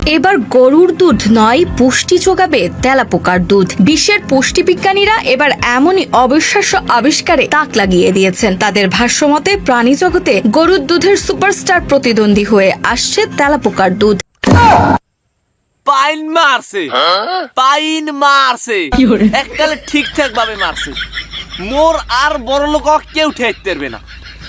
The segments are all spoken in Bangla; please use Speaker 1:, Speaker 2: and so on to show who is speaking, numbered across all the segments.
Speaker 1: এবার গরুর দুধ নয়, পুষ্টি যোগাবে তেলাপোকার দুধ। বিশ্বের পুষ্টিবিজ্ঞানীরা এবার এমনই অবিশ্বাস্য আবিষ্কারে তাক লাগিয়ে দিয়েছেন। তাদের ভাষ্যমতে প্রাণী জগতে গরুর দুধের সুপারস্টার প্রতিদ্বন্দ্বী হয়ে আসছে তেলাপোকার দুধ।
Speaker 2: পাইন মারছে এককালে ঠিকঠাক ভাবে মারছে। মোর আর বড় লোক কেউ ঠেকতে পারবে না,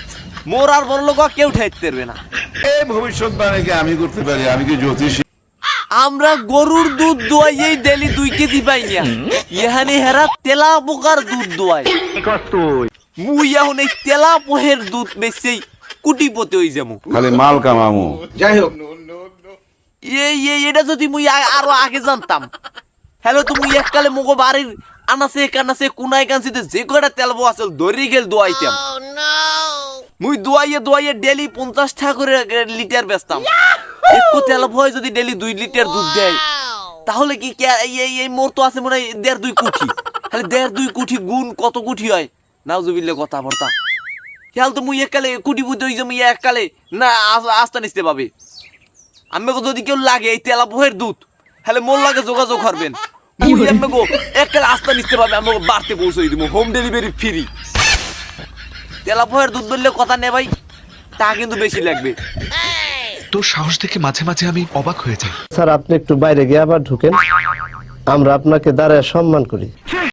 Speaker 3: এই ভবিষ্যৎবাণীকে আমি করতে পারি? আমি কি জ্যোতিষী?
Speaker 2: আমরা গরুর দুধ দোয়াই ডেলি 2 কেজি পাই না, এখানে হেরা তেলা পোকার দুধ দোয়াই। মুই এখন এই তেলা পোহের দুধ বেচেই কুটিপতি হই যাবো।
Speaker 3: খালি মাল কামামু।
Speaker 4: যাই হোক,
Speaker 2: এটা যদি মুই আরো আগে জানতাম, হ্যালো তুমি এককালে মগো বাড়ির আনাসে কোনায় কানছিতে যে কয়টা তেলবো আসল ধরি গেল দোয়াইতাম। মুই দোয়াইয়ে ডেলি 50 টাকা করে লিটার বেচতাম। একটু তেল ভয় যদি ডেলি 2 লিটার দুধ দেয়, তাহলে কি এই মোর তো আছে মনে হয় 1.5-2 কোটি। তাহলে 1.5-2 কোটি গুণ কত কোটি হয়? নাউজুবিল্লাহ কথা বর্তা। খেয়াল তো মুই এককালে কোটি বুদ্ধি হই যে মুই এককালে না আস্তা নিতে পাবে। আমাকে যদি কেউ লাগে এই তেলা বহের দুধ, তাহলে মোর লাগে যোগাযোগ করবেন। মুই আমাকে এককালে আস্তা নিতে পাবে, আমাকে বাড়তে পৌঁছে দিব, হোম ডেলিভারি ফ্রি। তেলা বহের দুধ বললে কথা নে ভাই, তা কিন্তু বেশি লাগবে।
Speaker 5: তোর সাহস দেখে মাঝে মাঝে আমি অবাক হয়ে যাই।
Speaker 6: স্যার, আপনি একটু বাইরে গিয়ে আবার ঢুকেন, আমরা আপনাকে দাঁড়ায় সম্মান করি।